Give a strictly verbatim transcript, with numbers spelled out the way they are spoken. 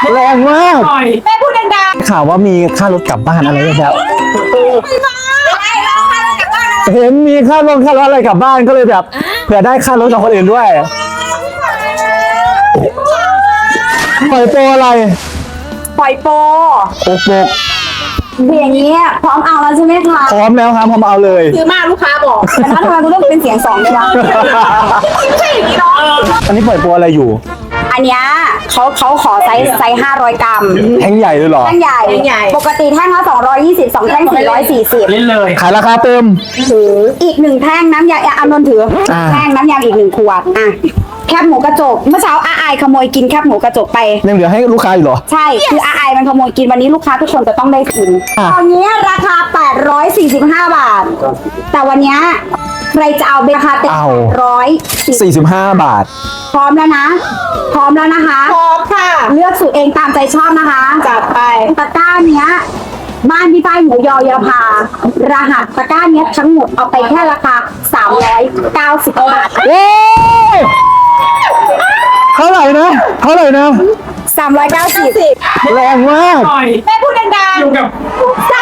แรงมากแม่พูดดังข่าวว่ามีค่ารถกลับบ้านอะไรแบบๆไม่มาอะไรเราค่ะเรากลับบ้านนะเห็นมีค่ารถค่ารถอะไรกลับบ้านก็เลยแบบเผื่อได้ค่ารถกับคนอื่นด้วยปล่อยโปรอะไรปล่อยโปรโปกโปกอย่างนี้พร้อมเอาแล้วใช่ไหมคะพร้อมแล้วครับพร้อมเอาเลยซื้อมากลูกค้าบอกแต่ถ้าทำไมกูต้องเป็นเสียงสองด้วยวะไม่ใช่อย่างนี้เนาะอันนี้ปล่อยโปรอะไรอยู่อันเนี้ยเขาเขาขอไซส์ไซส์ห้าร้อยกรัมแท่งใหญ่เลยเหรอแท่งใหญ่ใหญ่ปกติแท่งละสองร้อยยี่สิบสองแท่งสี่ร้อยสี่สิบเล่นเลยขายราคาเติมถืออีกหนึ่งแท่งน้ำยาอานนท์ถืออา แท่งน้ำยาอีกหนึ่งขวดอ่ะแคบหมูกระจกเมื่อเช้าอาไอายขโมยกินแคบหมูกระจกไปยังเหลือให้ลูกค้าอยู่เหรอใช่คืออาไอายมันขโมยกินวันนี้ลูกค้าทุกคนจะต้องได้กินอ่ะตอนนี้ราคาแปดร้อยสี่สิบห้าบาท แต่วันนี้ใครจะเอาราคาเต็มร้อยสี่สี่สิบห้าบาทพร้อมแล้วนะ พร้อมแล้วนะคะพร้อมค่ะเลือกสูตรเองตามใจชอบนะคะจัดไปตะกร้าเนี้ยบ้านพี่ป้ายหมูยอยาพารหัสตะกร้าเนี้ยทั้งหมดเอาไปแค่ราคาสามร้อยเก้าสิบบาทโอ้เท่าไหร่นะเท่าไหร่นะสามร้อยเก้าสิบแรงมากหน่อยแม่พูดดังอยู่กับๆส